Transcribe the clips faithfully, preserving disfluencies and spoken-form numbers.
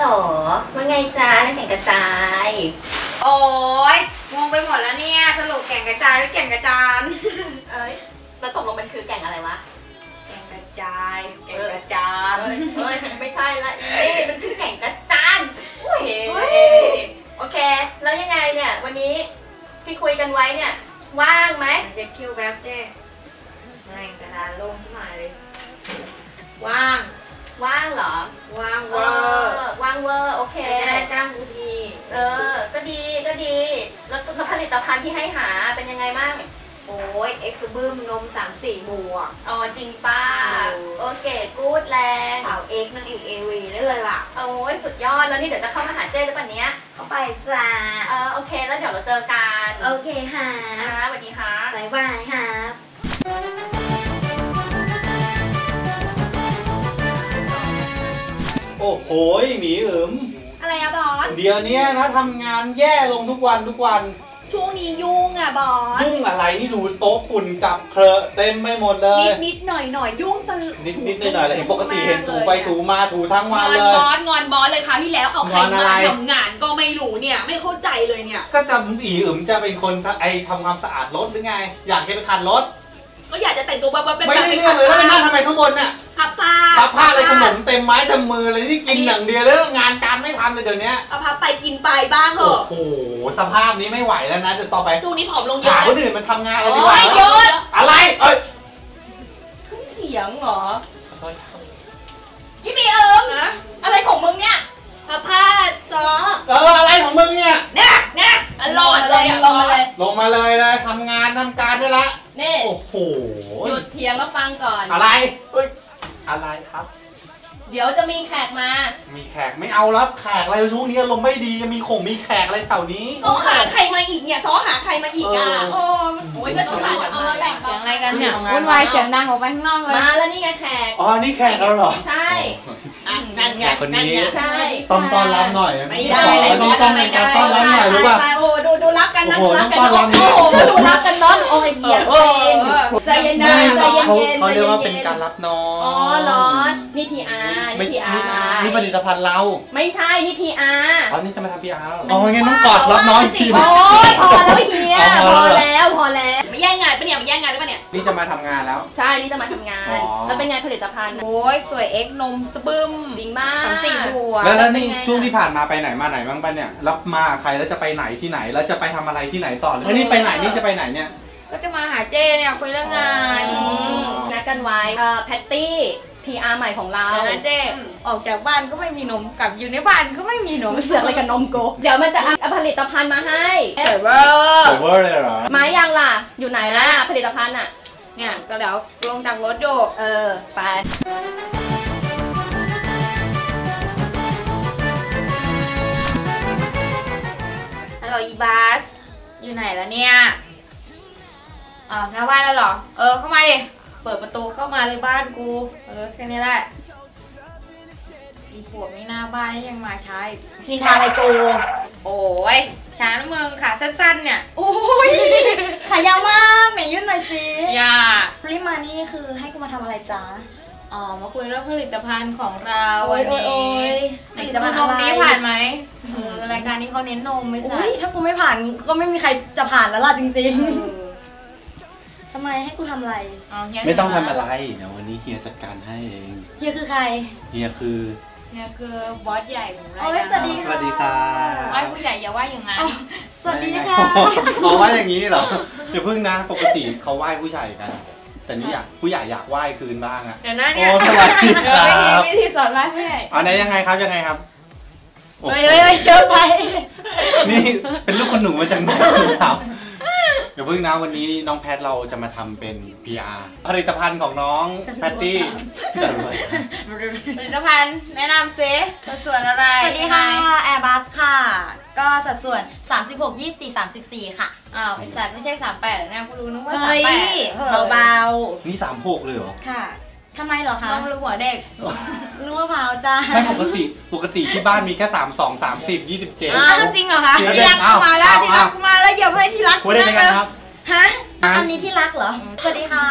หรอว่าไงจ้าน้ำแข็งกระจายโอ้ยงงไปหมดแล้วเนี่ยสรุปแก่งกระจายหรือแก่งกระจานเอ้ยมันตกลงมันคือแก่งอะไรวะแก่งกระจายแก่งกระจานเฮ้ยไม่ใช่ละอีนี่มันคือแก่งกระจานโอ้ยโอเคแล้วยังไงเนี่ยวันนี้ที่คุยกันไว้เนี่ยว่างไหมเช็คคิวแบบเจ๊แรงกระดานลงขึ้นมาเลยว่างว่างเหรอว่างเวอร์ว่างเวอร์โอเคจะได้จ้างกูทีเออก็ดีก็ดีแล้วผลิตภัณฑ์ที่ให้หาเป็นยังไงบ้างโอ้ยเอ็กซ์บึ้มนมสามสี่บวกอ๋อจริงป้าโอเคกู๊ดแรงสาวเอ็กซ์นางเอกเอวีได้เลยล่ะโอ้ยสุดยอดแล้วนี่เดี๋ยวจะเข้ามาหาเจ้หรือเปล่าเนี้ยเข้าไปจ้าเออโอเคแล้วเดี๋ยวเราเจอกันโอเคค่ะค่ะสวัสดีค่ะบ๊ายบายค่ะโอ้โหหมีอึ๋มอะไรอะบอสเดี๋ยวนี้นะทำงานแย่ลงทุกวันทุกวันช่วงนี้ยุ่งอะบอสยุ่งอะไรที่ดูโต๊ะฝุ่นจับเคลอะเต็มไม่หมดเลยนิดนิดหน่อยหน่อยยุ่งตลอดนิดนิดหน่อยหน่อยเลยปกติเห็นถูไปถูมาถูทั้งวันเลยงอนบอสงอนบอสเลยค่ะที่แล้วเอาใครมาทำงานก็ไม่รู้เนี่ยไม่เข้าใจเลยเนี่ยก็จะอีอึ๋มจะเป็นคนไอทำความสะอาดรถหรือไงอยากจะไปขัดรถก็อยากจะแต่งตัวแบบเป็นไม่ได้เรื่องเลยแล้วไปนั่งทำไมข้างบนเนี่ยพับผ้าพับผ้าอะไรขนมเต็มไม้เต็มมือเลยที่กินอย่างเดียวแล้วงานการไม่ทำเลยเดี๋ยวนี้เอาพับไปกินไปบ้างเหรอโอ้โหสภาพนี้ไม่ไหวแล้วนะจะต่อไปช่วงนี้ผอมลงเยอะหาคนอื่นมันทำงานอะไรดีกว่าอะไรเอ้ยขึ้นเสียงเหรอยี่มีเอิมอะไรของมึงเนี่ยพับผ้าซอเอออะไรของมึงเนี่ยเนี่ยเนี่ยลงเลยลงมาเลยลงมาเลยเลยทำงานทำการได้ละนี่โอ้โหหยุดเถียงแล้วฟังก่อนอะไรเอ้ยอะไรครับเดี๋ยวจะมีแขกมามีแขกไม่เอารับแขกอะไรช่วงนี้ลมไม่ดีมีคงมีแขกอะไรแถวนี้ซ้อหาใครมาอีกเนี่ยซ้อหาใครมาอีกอ่ะโอ้โหก็ต้องหาเอามาแบ่งเสียงอะไรกันเนี่ยวุ่นวายเสียงดังออกไปข้างนอกเลยมาแล้วนี่ไงแขกอ๋อนี่แขกแล้วเหรอใช่นั่นไงคนนี้ใช่ต้องต้อนรับหน่อยไม่ได้ต้องต้องเป็นการต้อนรับหน่อยรู้ป่ะโอ้ดูดูรักกันนะดูรักกันโอ้โหดูรักกันน้องโอ้ยเหี้ยใจเย็นนะใจเย็นเย็นเขาเรียกว่าเป็นการรับน้องอ๋อเหรอนี่พีอาร์นี่พีอาร์นี่ผลิตภัณฑ์เราไม่ใช่นี่พีอาร์อ๋อนี่จะมาทำพีอาร์อ๋องั้นต้องกอดรับน้องทีโอ้ยพอแล้วเฮียพอแล้วพอแล้วไม่แย่งงานปะเนี่ยไม่แย่งงานหรือเปล่าเนี่ยนี่จะมาทำงานแล้วใช่นี่จะมาทำงานแล้วเป็นไงผลิตภัณฑ์โอ้ยสวยเอ็กนมสบึ้มจริงมากสามสี่บัวแล้วนี่ช่วงที่ผ่านมาไปไหนมาไหนบ้างปะเนี่ยรับมาใครแล้วจะไปไหนที่ไหนแล้วจะไปทำอะไรที่ไหนต่อแล้วนี่ไปไหนนี่จะไปไหนเนี่ยก็จะมาหาเจ้เนี่ยคุยเรื่องงานนัดกันไว้เอ่อแพตตี้ พี อาร์ ใหม่ของเราแล้วเจ้ออกจากบ้านก็ไม่มีนมกลับอยู่ในบ้านก็ไม่มีนมเสือกอะไรกับนมโกเดี๋ยวมันจะเอาผลิตภัณฑ์มาให้เซเวอร์เซเวอร์เลยเหรอมายังล่ะอยู่ไหนล่ะผลิตภัณฑ์อ่ะเนี่ยก็เดี๋ยวลงจากรถโยกเออไปฮัลโหลอีบาสอยู่ไหนแล้วเนี่ยอ๋อหน้าบ้านแล้วเหรอเออเข้ามาดิเปิดประตูเข้ามาเลยบ้านกูเออแค่นี้แหละอีปวดไม่หน้าบ้านยังมาใช้นี่ทาอะไรกูโอ้ยช้านะมึงขาสั้นๆเนี่ยโอ้ยขายาวมากไหนยื่นหน่อยสิอย่ารีบมานี่คือให้กูมาทำอะไรจ๊ะอ๋อมาคุยเรื่องผลิตภัณฑ์ของเราวันนี้ผลิตภัณฑ์นมนี้ผ่านไหมเออรายการนี้เขาเน้นนมไม่ใช่ถ้ากูไม่ผ่านก็ไม่มีใครจะผ่านแล้วล่ะจริงๆทำไมให้กูทำอะไรไม่ต้องทำอะไรเดี๋ยววันนี้เฮียจัดการให้เองเฮียคือใครเฮียคือเฮียคือบอสใหญ่ของเราสวัสดีค่ะสวัสดีค่ะไอ้ผู้ใหญ่อย่าว่าอย่างนั้นสวัสดีค่ะเขาว่าอย่างนี้เหรออย่าพึ่งนะปกติเขาไหว้ผู้ชายกันแต่นี่อยากผู้ใหญ่อยากไหว้คืนบ้างอะเดี๋ยวนะเนี่ยสวัสดีครับวิธีสอนไหว้ผู้ใหญ่อันนี้ยังไงครับยังไงครับเฮ้ยเฮ้ยเยอะไปนี่เป็นลูกคนหนูมาจากไหนครับเดี๋ยวพึ่งนะวันนี้น้องแพทเราจะมาทำเป็น พี อาร์ ผลิตภัณฑ์ของน้องแพตตี้ผลิตภัณฑ์แนะนำซิสัดส่วนอะไรสวัสดีค่ะ Airbus ค่ะก็สัดส่วนสามสิบหก ยี่สิบสี่ สามสิบสี่ค่ะอ้าวไอ้สัตว์ไม่ใช่สามแปดนะกูรู้นึกว่าสามแปดเบาๆนี่สามหกเลยเหรอค่ะทำไมเหรอคะน้องรู้หัวเด็กรู้ว่าเผาจ้าไม่ปกติปกติที่บ้านมีแค่สามสอง สามสิบ ยี่สิบเจ็ดอ้าวจริงเหรอคะที่รักกูมาแล้วที่รักกูมาแล้วอย่าให้ที่รักกูได้ยังไงครับฮะอันนี้ที่รักเหรอสวัสดีค่ะย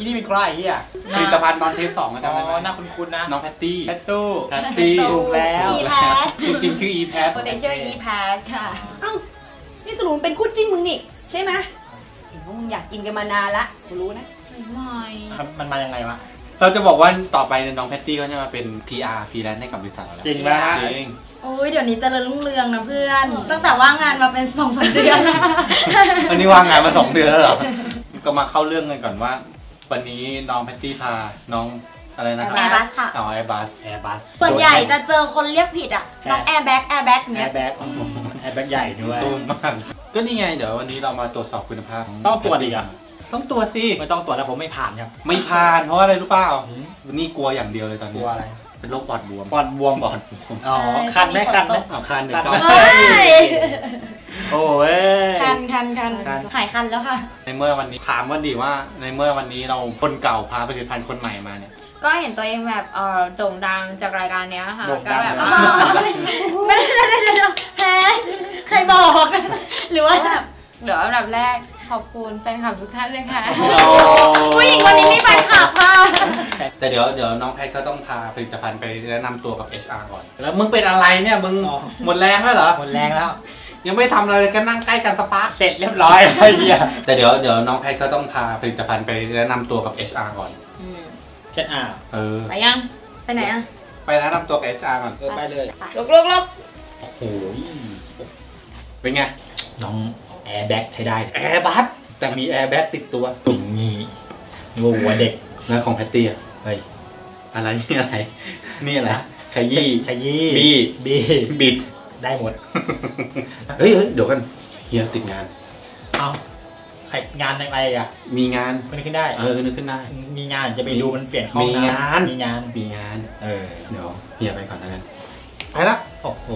ที่นี่เป็นใครเฮียผลิตภัณฑ์ตอนเทปสองก็อ๋จำได้ไหมอหน้าคุ้นๆนะน้องแพตตี้แพตตู้แพตตี้ถูกแล้วอีแพทจริงๆชื่ออีแพทโปรเตเชอร์อีแพทค่ะเอ้านี่สรุปเป็นคู่จิ้นมึงนี่ใช่ไหมเห็นว่ามึงอยากกินกันมานานละกูรู้นะไม่มันมายังไงวะเราจะบอกว่าต่อไปเนี่ยน้องแพตตี้ก็จะมาเป็น พี อาร์ ฟรีแลนซ์ให้กับบริษัทเราแล้วจริงไหมจริงโอ้ยเดี๋ยวนี้เจริญรุ่งเรืองนะเพื่อน ตั้งแต่ว่างงานมาเป็นสองสามเดือนแล้ววันนี้ว่างงานมาสองเดือนแล้วเหรอ ก็มาเข้าเรื่องกันก่อนว่า วันนี้น้องแพตตี้พาน้องอะไรนะคแอรับร์บัสค่ะเอาแอร์บัสแอร์บัสส่วนใหญ่จะเจอคนเรียกผิดอ่ะ น้องแอร์แบ็กแอร์แบ็กแอเนี้ยร์แบ็กแอร์แบ็กใหญ่ด้วยตูนมากก็นี่ไงเดี๋ยววันนี้เรามาตรวจสอบคุณภาพขต้องตรวจอีกอ่ะต้องตรวจสิไม่ต้องตรวจแล้วผมไม่ผ่านครับไม่ผ่านเพราะอะไรรู้เปล่านี่กลัวอย่างเดียวเลยตอนกนี้ลัวอะไรเป็นโรคปอดบวมปอดบวมปอดบวมอ๋อคันไหมคันไหมเอาคันหนึ่งคันก็ไหมเฮ้ยโอ้ยคันคันคันคันหายคันแล้วค่ะในเมื่อวันนี้ถามว่าดีว่าในเมื่อวันนี้เราคนเก่าพาผลิตภัณฑ์คนใหม่มาเนี่ยก็เห็นตัวเองแบบเออโด่งดังจากรายการเนี้ยค่ะโด่งก็ดังแบบนะอ๋อไม่ได้ไม่ได้ไม่ได้แพ้ใครบอก หรือว่าแบบเดี๋ยวอันดับแรกขอบคุณแฟนคลับทุกท่านเลยค่ะ ผู้หญิงคนนี้มีแฟนคลับค่ะแต่เดี๋ยวเดี๋ยวน้องแพทก็ต้องพาผลิตภัณฑ์ไปแนะนำตัวกับ เอช อาร์ ก่อน แล้วมึงเป็นอะไรเนี่ยมึงหมดแรงแล้วเหรอหมดแรงแล้วยังไม่ทำอะไรเลยก็นั่งใกล้กันสปาร์คเสร็จเรียบร้อยแล้วไอ้เฮียแต่เดี๋ยวเดี๋ยวน้องแพทก็ต้องพาผลิตภัณฑ์ไปแนะนำตัวกับ เอช อาร์ ก่อนแค่อ่าเออไปยัง ไปไหนอ่ะไปแนะนำตัวกับ เอช อาร์ ก่อนเออไปเลยลุกลุกลุกโอ้โหเป็นไงน้องแอร์แบ็กใช้ได้แอร์บัสแต่มีแอร์แบ็กติดตัวตุ่มงี้งูหัวเด็กแล้วของแพตตี้อะเฮ้ยอะไรนี่อะไร นี่อะไรขยี้ขยี้บี้บี้บิดได้หมดเฮ้ยเฮ้ยเดี๋ยวกันเฮียติดงานเอาใครงานอะไรอ่ะมีงานคนนี้ขึ้นได้เออนึกขึ้นได้มีงานจะไปดูมันเปลี่ยนห้องมีงานมีงานมีงานเออเดี๋ยวเฮียไปก่อนนะกันไปละโอ้โห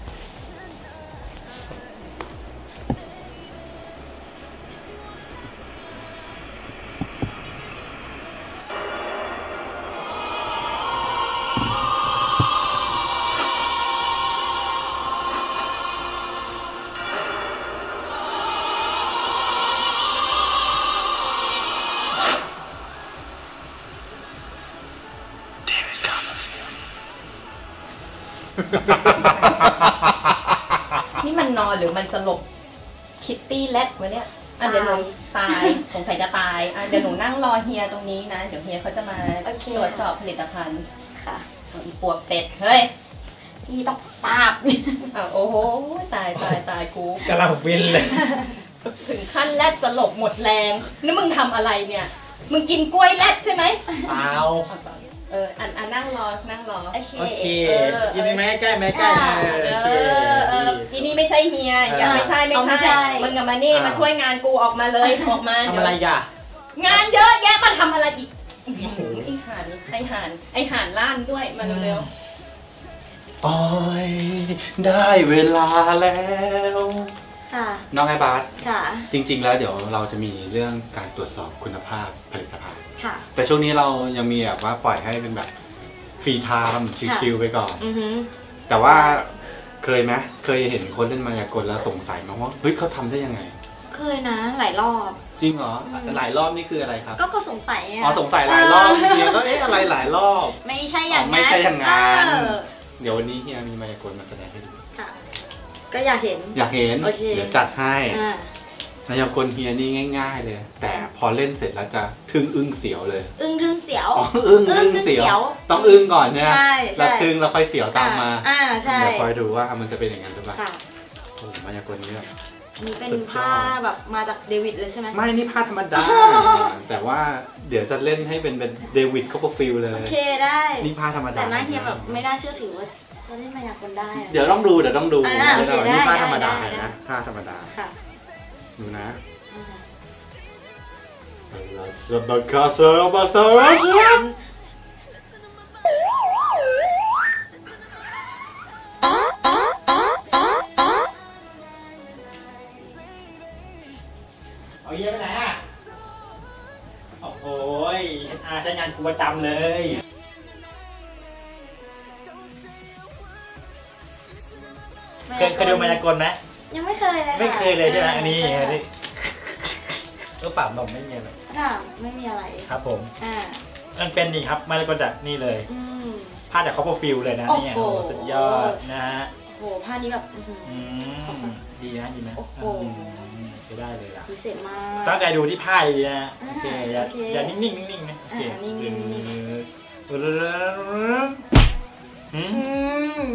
นี่มันนอนหรือมันสลบคิตตี้แลดวะเนี่ยอ่ะเดี๋ยวหนูตายสงสัยจะตายอ่ะเดี๋ยวหนูนั่งรอเฮียตรงนี้นะ เดี๋ยวเฮียเขาจะมาโอเคตรวจสอบผลิตภัณฑ์ค่ะเอาอีปวกเป็ดเฮ้ยอีต้องปาบอ่ะโอ้โหตายตายตายกูกำลังฟินเลยถึงขั้นแลดสลบหมดแรงนี่มึงทำอะไรเนี่ย มึงกินกล้วยแลดใช่ไหมเปล่าเอออันอันนั่งรอนั่งรอโอเคโอเคเออกินแม่ใกล้แม่ใกล้อ่าเอเอออเออที่นี่ไม่ใช่เฮียอย่าไม่ใช่ไม่เอาไม่ใช่ใช่มึงกับมานี่มาช่วยงานกูออกมาเลยออกมาทำเดี๋ยวอะไรอ่ะงานเยอะแยะมาทำอะไรอีกโอ้โหไอห่านไอห่านไอห่านล้านด้วยมาเร็วโอ้ยได้เวลาแล้วค่ะน้องไอ้บาสค่ะจริง ๆ แล้วเดี๋ยวเราจะมีเรื่องการตรวจสอบคุณภาพผลิตภัณฑ์ค่ะแต่ช่วงนี้เรายังมีแบบว่าปล่อยให้เป็นแบบฟรีไทม์ชิลๆไปก่อนอือฮึแต่ว่าเคยไหมเคยเห็นคนเล่นมายากลแล้วสงสัยไหมว่าเฮ้ยเขาทำได้ยังไงเคยนะหลายรอบจริงเหรอหลายรอบนี่คืออะไรครับก็ก็สงสัยอ่ะอ๋อสงสัยหลายรอบเฮียก็เอ๊ะอะไรหลายรอบไม่ใช่อย่างอ๋อไม่ใช่อย่างนั้นเออเดี๋ยววันนี้เฮียมีมายากลมาแสดงให้ดูค่ะ ก็อยากเห็นอยากเห็นโอเคเดี๋ยวจัดให้อ่ามายากลเฮียนี่ง่าย ๆ เลย แต่พอเล่นเสร็จแล้วจะทึ่งอึ้งเสียวเลยอึ้งทึ่งเสียวอ๋ออึ้งอึ้งเสียว ต้องอึ้งก่อนใช่ไหมใช่ใช่แล้วทึ่งแล้วค่อยเสียวตามมาอ่าใช่เดี๋ยวคอยดูว่ามันจะเป็นอย่างนั้นหรือเปล่าค่ะโอ้มายากลนี่แบบอันนี้เป็นสุดยอดผ้าแบบมาจากเดวิดเลยใช่ไหมไม่นี่ผ้าธรรมดา แต่ว่าเดี๋ยวจะเล่นให้เป็นเป็นเดวิดคอปเปอร์ฟิลด์เลยโอเคได้นี่ผ้าธรรมดาแต่หน้าเฮียแบบไม่น่าเชื่อถือว่าจะเล่นมายากลได้อะเดี๋ยวต้องดูเดี๋ยวต้องดูอ่าโอเคเดี๋ยวนี่ผ้าได้ธรรมดาได้ได้นะผ้าธรรมดาค่ะดูนะอ่าซาบะคาซาบะซาระเอาเยี่ยไปไหนอ่ะ โอ้โหยอาใช้งานกูประจำเลย เคยเคยดูมายากลไหมยังไม่เคยเลยะไม่เคยเลยใช่ไหมอันนี้อันนี้ก็เปล่าผมไม่มีอะไรค่ะไม่มีอะไรครับผมอ่ามันเป็นนี่ครับมาเลยก็จากนี่เลยอืมผ้าจากคอปเปอร์ฟิลเลยนะเนี่ยโอ้โอ้โหสุดยอดนะฮะโหผ้านี้แบบอื้อหืออืมดีนะดีไหมโอ้โหอืมใช้ได้เลยล่ะพิเศษมากตั้งใจดูที่ผ้าดีนะอ่าโอเคอย่าโอเคอย่านิ่งๆนิ่งๆนะโอเคอ่านิ่งๆนิ่งอืมอืม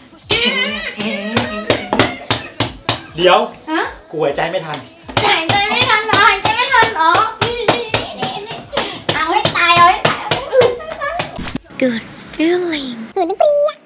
เดี๋ยวฮะกูหายใจไม่ทันหายใจไม่ทันเหรอหายใจไม่ทันเหรอนี่นี่นี่นี่เอาให้ตายเอาให้ตาย Good feeling. Good feeling.